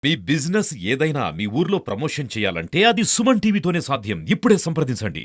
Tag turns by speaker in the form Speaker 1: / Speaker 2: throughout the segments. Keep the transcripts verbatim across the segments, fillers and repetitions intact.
Speaker 1: మీ business ఏదైనా మీ ఊర్లో promotion చేయాలంటే అది సుమన్ టీవీతోనే సాధ్యం. ఇప్పుడే సంప్రదించండి.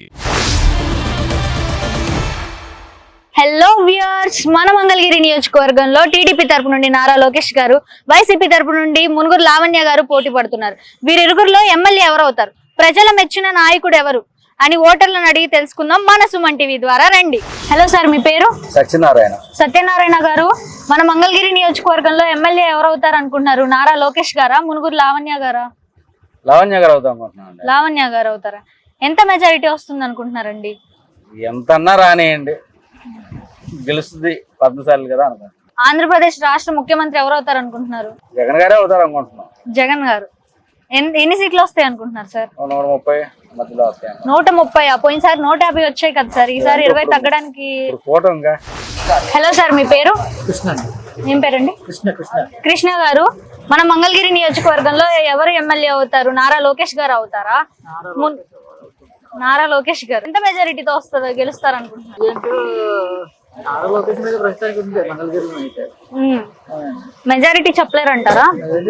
Speaker 2: హలో వ్యూయర్స్, మన మంగళగిరి నియోజకవర్గంలో టీడీపీ తరపు నుండి నారా లోకేష్ గారు, వైసీపీ తరపు నుండి మునుగురు లావణ్య గారు పోటీ పడుతున్నారు. వీరిరుగురులో ఎమ్మెల్యే ఎవరు అవుతారు, ప్రజల మెచ్చిన నాయకుడు ఎవరు అని ఓటర్లను అడిగి తెలుసుకుందాం మన సుమన్ టీవీ ద్వారా. రండి. హలో సార్, మీ పేరు?
Speaker 3: సత్యనారాయణ.
Speaker 2: సత్యనారాయణ గారు, మన మంగళగిరి నియోజకవర్గంలో ఎమ్మెల్యే ఎవరు అవుతారు అనుకుంటున్నారు? నారా లోకేష్ గారా, మునుగురు లావణ్య గారా?
Speaker 3: లావణ్య గారు అవుతాం అనుకుంటున్నాను.
Speaker 2: లావణ్య గారు అవుతారా? ఎంత మెజారిటీ వస్తుంది అనుకుంటున్నారండి?
Speaker 3: ఎంత అన్నా రానియండి, గెలుస్తుంది పద్మశాలి కదా అనుకుంటున్నాను.
Speaker 2: ఆంధ్రప్రదేశ్ రాష్ట్ర ముఖ్యమంత్రి ఎవరు అవుతారు అనుకుంటున్నారు?
Speaker 3: జగన్ గారే అవుతారు అనుకుంటున్నాం.
Speaker 2: జగన్ గారు. ఎన్ని సీట్లు వస్తాయి అనుకుంటున్నారు సార్?
Speaker 3: నూట ముప్పై మధ్యలో వస్తాయి.
Speaker 2: నూట ముప్పై పోయినసారి నూట యాభై వచ్చాయి కదా సార్, ఈసారి ఇరవై తగ్గడానికి. హలో సార్, మీ పేరు?
Speaker 3: కృష్ణ.
Speaker 2: ఏం పేరండి?
Speaker 3: కృష్ణ. కృష్ణ
Speaker 2: కృష్ణ గారు, మన మంగళగిరి నియోజకవర్గంలో ఎవరు ఎమ్మెల్యే అవుతారు? నారా లోకేష్ గారు అవుతారా? నారా లోకేష్ గారు. ఎంత మెజారిటీతో వస్తుందో గెలుస్తారు అనుకుంటున్నారు? మెజారిటీ చెప్పలేరంటారా?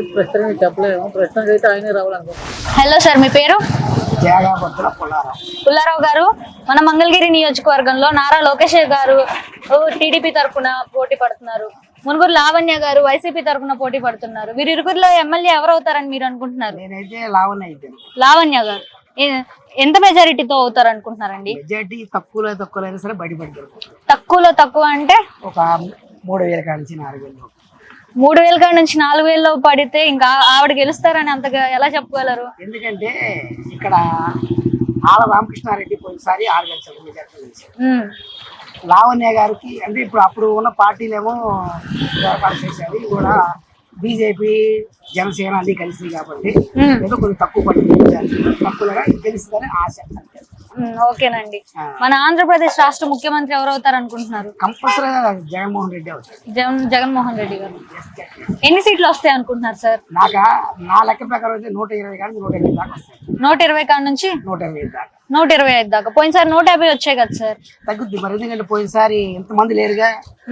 Speaker 2: హలో సార్, మీ పేరు? పుల్లారావు గారు, మన మంగళగిరి నియోజకవర్గంలో నారా లోకేష్ గారు టీడీపీ తరఫున పోటీ పడుతున్నారు, మునుగురు లావణ్య గారు వైసీపీ తరఫున పోటీ పడుతున్నారు. వీరిరుగురిలో ఎమ్మెల్యే ఎవరు అవుతారని మీరు అనుకుంటున్నారు? లావణ్య గారు. ఎంత మెజారిటీతో అవుతారు అనుకుంటున్నారండి?
Speaker 4: మెజారిటీ తక్కువలో తక్కువ అయినా సరే బయటపడతారు.
Speaker 2: తక్కువలో తక్కువ అంటే ఒక
Speaker 4: మూడు వేల కాడ నుంచి నాలుగు వేలు
Speaker 2: మూడు వేల కాడ నుంచి నాలుగు వేలలో పడితే ఇంకా ఆవిడ గెలుస్తారని అంతగా ఎలా చెప్పగలరు?
Speaker 4: ఎందుకంటే ఇక్కడ ఆల రామకృష్ణారెడ్డి పోయినసారి ఆరు లక్షల మెజారిటీ గెలిచారు. లావణ్య గారికి అంటే ఇప్పుడు అప్పుడు ఉన్న పార్టీలేమో ఏర్పాటు చేసేది కూడా బీజేపీ జనసేన అన్ని కలిసి కాబట్టి ఏదో కొంచెం తక్కువ పడుతుంది, తక్కువగా గెలుస్తుందని ఆశ.
Speaker 2: ఓకేనండి. మన ఆంధ్రప్రదేశ్ రాష్ట్ర ముఖ్యమంత్రి ఎవరు అవుతారు అనుకుంటున్నారు?
Speaker 4: కంపల్సరీగా జగన్మోహన్ రెడ్డి అవుతారు.
Speaker 2: జగన్ జగన్మోహన్ రెడ్డి గారు. ఎన్ని సీట్లు వస్తాయి అనుకుంటున్నారు సార్?
Speaker 4: నాక నా లెక్క ప్రకారం అయితే నూట ఇరవై కానీ నూట ఇరవై దాకా వస్తాయి.
Speaker 2: నూట ఇరవై కాడ నుంచి
Speaker 4: నూట ఇరవై ఐదు దాకా
Speaker 2: నూట ఇరవై ఐదు దాకా. పోయినసారి నూట యాభై వచ్చాయి కదా సార్?
Speaker 4: తగ్గుద్ది మరి, ఎందుకంటే పోయినసారి ఇంతమంది లేరుగా,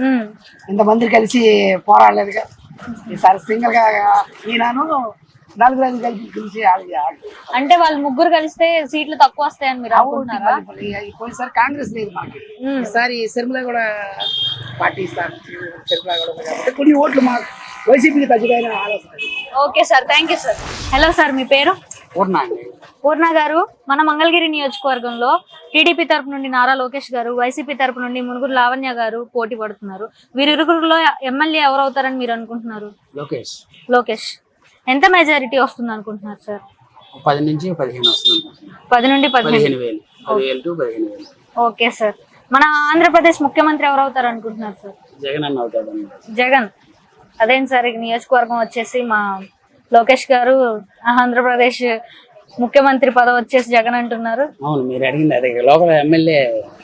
Speaker 4: ఇంతమంది కలిసి పోరాడలేదుగా. ఈసారి సింగిల్ గా ఈయనను నలుగురు ఐదు కలిసి గెలిచి
Speaker 2: అంటే వాళ్ళు ముగ్గురు కలిస్తే సీట్లు తక్కువ వస్తాయని మీరు అనుకుంటున్నారా?
Speaker 4: పోయినసారి కాంగ్రెస్ లేదు మాకు, ఈసారి సిరిమల కూడా పార్టీ ఇస్తాను. సిరిమల కూడా కాబట్టి కొన్ని ఓట్లు మాకు వైసీపీకి తగ్గిపోయిన ఆలోచన.
Speaker 2: Okay sir, thank you sir. Hello sir, మీ పేరు?
Speaker 4: పూర్ణ అండి.
Speaker 2: పూర్ణ గారు, మన మంగళగిరి నియోజకవర్గంలో టీడీపీ తరపు నుండి నారా లోకేష్ గారు, వైసీపీ తరపు నుండి మునుగురు లావణ్య గారు పోటీ పడుతున్నారు. వీరిరుగురులో ఎమ్మెల్యే ఎవరు అవుతారని మీరు అనుకుంటున్నారు?
Speaker 4: లోకేష్.
Speaker 2: లోకేష్. ఎంత మెజారిటీ వస్తుంది అనుకుంటున్నారు సార్?
Speaker 4: పది నుంచి పదిహేను వస్తుంది.
Speaker 2: పది నుండి పదిహేను
Speaker 4: వేలు పదివేలు టు పదిహేను వేలు.
Speaker 2: Okay sir. మన ఆంధ్రప్రదేశ్ ముఖ్యమంత్రి ఎవరు అవుతారు అనుకుంటున్నారు సార్?
Speaker 4: జగన్ అన్న అవుతాడు.
Speaker 2: జగన్. అదేంటి సార్, నియోజకవర్గం వచ్చేసి మా లోకేష్ గారు, ఆంధ్రప్రదేశ్ ముఖ్యమంత్రి పదవి వచ్చేసి జగన్ అంటున్నారు.
Speaker 4: అవును, మీరు అడిగింది అదే. లోకల్ ఎమ్మెల్యే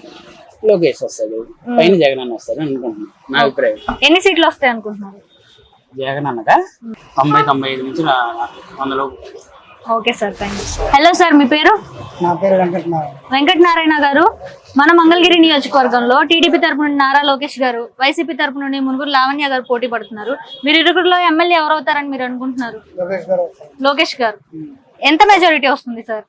Speaker 4: లోకేష్ వస్తాడు, పైన జగన్ అన్న వస్తాడు అనుకుంటున్నాను, నా అభిప్రాయం.
Speaker 2: ఎన్ని సీట్లు వస్తాయి అనుకుంటున్నారు?
Speaker 4: జగన్ అన్నగా తొంభై తొంభై ఐదు నుంచి వందలో.
Speaker 2: Okay sir, thank you. Hello sir, మీ పేరు?
Speaker 4: నా పేరు వెంకటనారాయణ.
Speaker 2: వెంకటనారాయణ గారు, మన మంగళగిరి నియోజకవర్గంలో టీడీపీ తరపు నుండి నారా లోకేష్ గారు, వైసీపీ తరపు నుండి మునుగురు లావణ్య గారు పోటీ పడుతున్నారు. మీరు ఇరుగురులో ఎమ్మెల్యే ఎవరు అవుతారని మీరు అనుకుంటున్నారు? లోకేష్ గారు. ఎంత మెజారిటీ వస్తుంది సార్?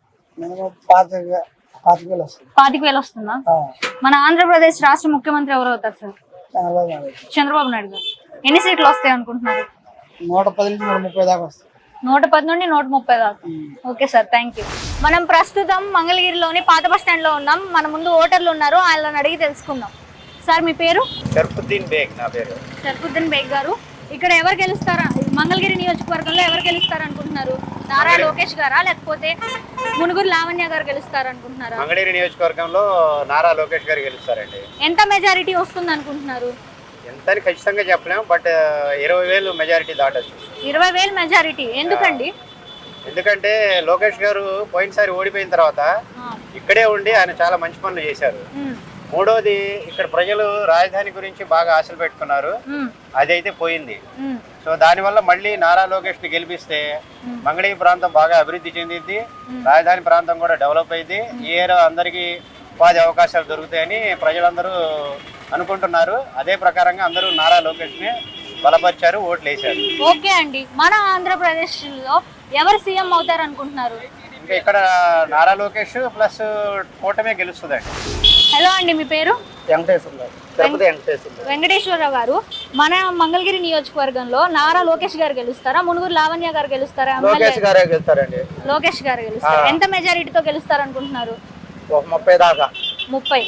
Speaker 2: పాతిక వేలు వస్తుందా? మన ఆంధ్రప్రదేశ్ రాష్ట్ర ముఖ్యమంత్రి ఎవరు అవుతారు సార్? చంద్రబాబు నాయుడు గారు. ఎన్ని సీట్లు వస్తాయి అనుకుంటున్నారు?
Speaker 4: నూట పది నుంచి నూట ముప్పై దాకా వస్తాయి.
Speaker 2: నూట పది నుండి నూట ముప్పై దాకా. Okay sir, thank you. మనం ప్రస్తుతం మంగళగిరిలోని పాత బస్ స్టాండ్ లో ఉన్నాం. మన ముందు ఓటర్లు ఉన్నారు, వాళ్ళని అడిగి తెలుసుకుందాం. సార్, మీ పేరు?
Speaker 3: షర్ఫుద్దీన్ బేగ్. నా పేరు
Speaker 2: షర్ఫుద్దీన్ బేగ్ గారు. ఇక్కడ ఎవరు గెలుస్తారా, మంగళగిరి నియోజకవర్గంలో ఎవరు గెలుస్తారు అనుకుంటున్నారు? నారా లోకేష్ గారా, లేకపోతే మునుగురు లావణ్య గారు గెలుస్తారు అనుకుంటున్నారా?
Speaker 3: మంగళగిరి నియోజకవర్గంలో నారా లోకేష్ గారు గెలుస్తారండి.
Speaker 2: ఎంత మెజారిటీ వస్తుంది అనుకుంటున్నారు?
Speaker 3: ఎంత అని ఖచ్చితంగా చెప్పలేము, బట్ ఇరవై వేలు మెజారిటీ దాటచ్చు.
Speaker 2: ఇరవై వేలు మెజారిటీ. ఎందుకండి?
Speaker 3: ఎందుకంటే లోకేష్ గారు పోయినసారి ఓడిపోయిన తర్వాత ఇక్కడే ఉండి ఆయన చాలా మంచి పనులు చేశారు. మూడోది, ఇక్కడ ప్రజలు రాజధాని గురించి బాగా ఆశలు పెట్టుకున్నారు, అదైతే పోయింది. సో దానివల్ల మళ్ళీ నారా లోకేష్ ని గెలిపిస్తే మంగళగిరి ప్రాంతం బాగా అభివృద్ధి చెందింది, రాజధాని ప్రాంతం కూడా డెవలప్ అయింది, ఈ ఏరియా అందరికీ ఉపాధి అవకాశాలు దొరుకుతాయని ప్రజలందరూ అనుకుంటున్నారు. అదే ప్రకారంగా అందరూ నారా లోకేష్ ని బలపరిచారు, ఓట్లు వేశారు.
Speaker 2: ఓకే అండి, మన ఆంధ్రప్రదేశ్ లో ఎవరు సీఎం అవుతారు అనుకుంటున్నారు?
Speaker 3: ఇంకా ఇక్కడ నారా లోకేష్ ప్లస్ కూటమే గెలుస్తుందండి.
Speaker 2: హలో అండి, మీ పేరు?
Speaker 4: వెంకటేశ్వర తిరుపతి వెంకటేశ్వర
Speaker 2: వెంకటేశ్వరరావు గారు, మన మంగళగిరి నియోజకవర్గంలో నారా లోకేష్ గారు గెలుస్తారా, మునుగురు లావణ్య గారు గెలుస్తారా?
Speaker 3: లోకేష్ గారే గెలుస్తారండి.
Speaker 2: లోకేష్ గారు గెలుస్తారు. ఎంత మెజారిటీతో గెలుస్తారు అనుకుంటున్నారు?
Speaker 3: ఒక ముప్పై దాకా.
Speaker 2: ముప్పై.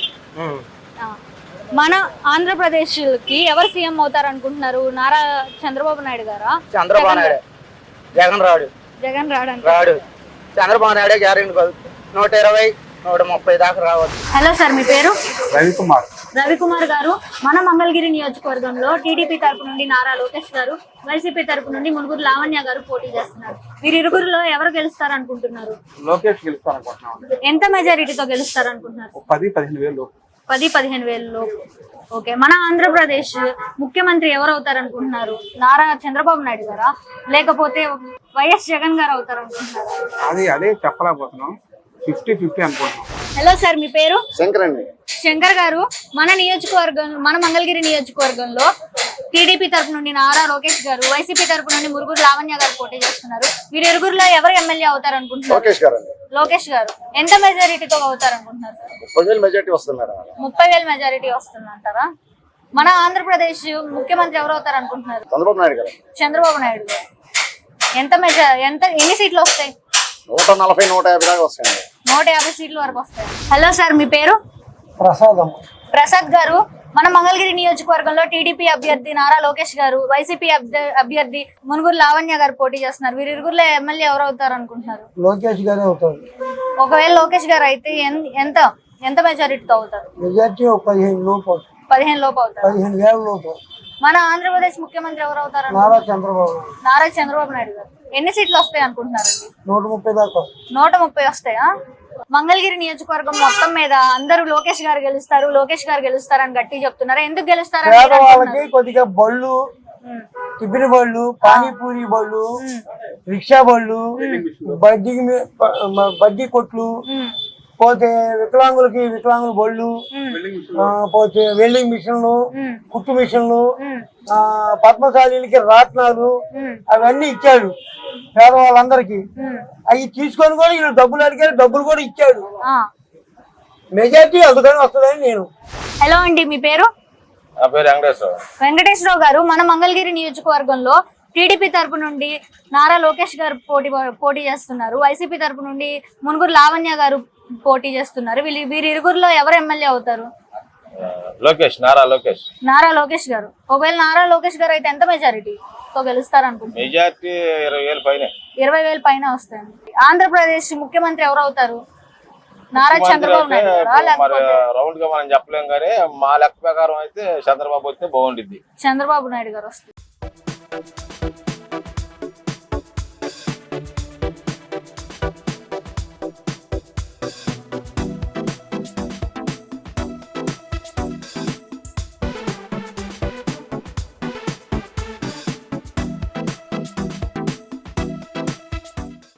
Speaker 2: ఆ. మన ఆంధ్రప్రదేశ్ కి ఎవరు సీఎం అవుతారు అనుకుంటున్నారు? నారా చంద్రబాబు నాయుడు గారా?
Speaker 3: చంద్రబాబు నాయుడు. జగన్ రాడు.
Speaker 2: జగన్ రాడు.
Speaker 3: రాడు. చంద్రబాబు నాయుడు గ్యారెంటీ నూట ఇరవై నూట ముప్పై దాకా రావచ్చు.
Speaker 2: హలో సార్, మీ పేరు?
Speaker 3: రవికుమార్.
Speaker 2: రవికుమార్ గారు, మన మంగళగిరి నియోజకవర్గంలో టీడీపీ తరపు నుండి నారా లోకేష్ గారు, వైసీపీ తరపు నుండి మునుగురు లావణ్య గారు పోటీ చేస్తున్నారు. వీరి ఇరుగురులో ఎవరు గెలుస్తారు అనుకుంటున్నారు?
Speaker 3: లోకేష్ గెలుస్తారు అనుకుంటున్నాం.
Speaker 2: ఎంత మెజారిటీతో గెలుస్తారు అనుకుంటున్నారు?
Speaker 3: పది పదిహేను వేలు.
Speaker 2: పది పదిహేను వేలు. ఓకే, మన ఆంధ్రప్రదేశ్ ముఖ్యమంత్రి ఎవరు అవుతారు అనుకుంటున్నారు? నారా చంద్రబాబు నాయుడు గారా, లేకపోతే వైఎస్ జగన్ గారు అవుతారు అనుకుంటున్నారు?
Speaker 3: అది అదే చెప్పలేకపోతున్నాం. ఫిఫ్టీ ఫిఫ్టీ అనుకుంటున్నాం.
Speaker 2: హలో సార్, మీ పేరు?
Speaker 3: శంకర్ అండి.
Speaker 2: శంకర్ గారు, మన నియోజకవర్గం మన మంగళగిరి నియోజకవర్గంలో టీడీపీ తరపు నుండి నారా లోకేష్ గారు, వైసీపీ తరపు నుండి మురుగురు లావణ్య గారు పోటీ చేస్తున్నారు. వీరి ఇరుగురులో ఎవరు ఎమ్మెల్యే అవుతారు అనుకుంటున్నారు?
Speaker 3: లోకేష్ గారు అండి.
Speaker 2: లోకేష్ గారు ఎంత మెజారిటీతో అవుతారు అనుకుంటున్నారు?
Speaker 3: ముప్పై వేలు మెజారిటీ వస్తున్నారు.
Speaker 2: ముప్పై వేలు మెజారిటీ వస్తుందంటారా? మన ఆంధ్రప్రదేశ్ ముఖ్యమంత్రి ఎవరు అవుతారు అనుకుంటున్నారు?
Speaker 3: చంద్రబాబు నాయుడు గారు.
Speaker 2: చంద్రబాబు నాయుడు గారు. ఎంత మెజా ఎంత ఎన్ని సీట్లు వస్తాయి?
Speaker 3: నూట నలభై నూట యాభై దాకా వస్తాయండి.
Speaker 2: నూట యాభై సీట్ల వరకు వస్తాయి. హలో సార్, మీ పేరు?
Speaker 4: ప్రసాదం.
Speaker 2: ప్రసాద్ గారు, మన మంగళగిరి నియోజకవర్గంలో టీడీపీ అభ్యర్థి నారా లోకేష్ గారు, వైసీపీ అభ్యర్థి మునుగురు లావణ్య గారు పోటీ చేస్తున్నారు. వీరి ఇరుగురులో ఎమ్మెల్యే ఎవరు అవుతారు అనుకుంటున్నారు?
Speaker 4: లోకేష్ గారే అవుతారు.
Speaker 2: ఒకవేళ లోకేష్ గారు అయితే ఎంత ఎంత మెజారిటీతో అవుతారు?
Speaker 4: మెజారిటీ పదిహేను లోపు.
Speaker 2: పదిహేను లోపు అవుతారు.
Speaker 4: పదిహేను వేల లోపు.
Speaker 2: మన ఆంధ్రప్రదేశ్ ముఖ్యమంత్రి ఎవరు అవుతారు?
Speaker 4: నారా చంద్రబాబు.
Speaker 2: నారా చంద్రబాబు నాయుడు గారు. ఎన్ని సీట్లు వస్తాయి అనుకుంటున్నారండి?
Speaker 4: నూట ముప్పై దాకా.
Speaker 2: నూట ముప్పై వస్తాయా? మంగళగిరి నియోజకవర్గం మొత్తం మీద అందరూ లోకేష్ గారు గెలుస్తారు, లోకేష్ గారు గెలుస్తారు అని గట్టి చెప్తున్నారు. ఎందుకు గెలుస్తారు?
Speaker 4: పేదవాళ్ళకి కొద్దిగా బళ్ళు, టిఫిన్ బళ్ళు, పానీపూరి బళ్ళు, రిక్షా బళ్ళు, బడ్డీ బడ్డీ కొట్లు, పోతే వికలాంగులకి వికలాంగుల బళ్ళు, పోతే వెల్డింగ్ మిషన్లు, కుట్టు మిషన్లు, ఆ పద్మశాలీలకి రాట్నాలు అవన్నీ ఇచ్చాడు పేదవాళ్ళందరికీ. అవి తీసుకొని కూడా వీళ్ళు డబ్బులు అడిగారు, డబ్బులు కూడా ఇచ్చాడు. మెజార్టీ అందుకని వస్తుందని నేను.
Speaker 2: హలో అండి, మీ పేరు?
Speaker 3: వెంకటేశ్వరరావు.
Speaker 2: వెంకటేశ్వరరావు గారు, మన మంగళగిరి నియోజకవర్గంలో టీడీపీ తరపు నుండి నారా లోకేష్ గారు పోటీ పోటీ చేస్తున్నారు. వైసీపీ తరపు నుండి మునుగురు లావణ్య గారు పోటీ చేస్తున్నారు. వీళ్ళు వీరి ఇరుగురులో ఎవరు ఎమ్మెల్యే అవుతారు?
Speaker 3: లోకేష్. నారా లోకేష్.
Speaker 2: నారా లోకేష్ గారు. ఒకవేళ నారా లోకేష్ గారు అయితే ఎంత మెజారిటీతో గెలుస్తారు అనుకుంటున్నారు?
Speaker 3: మెజారిటీ ఇరవై వేల పైన.
Speaker 2: ఇరవై వేల పైన వస్తాయి. ఆంధ్రప్రదేశ్ ముఖ్యమంత్రి ఎవరు అవుతారు? నారా చంద్రబాబు నాయుడు గారా, లేకపోతే
Speaker 3: రౌండ్ గా మనం చెప్పలేం కానీ మా లెక్క ప్రకారం అయితే చంద్రబాబు వస్తే బాగుంటుంది.
Speaker 2: చంద్రబాబు నాయుడు గారు వస్తారు.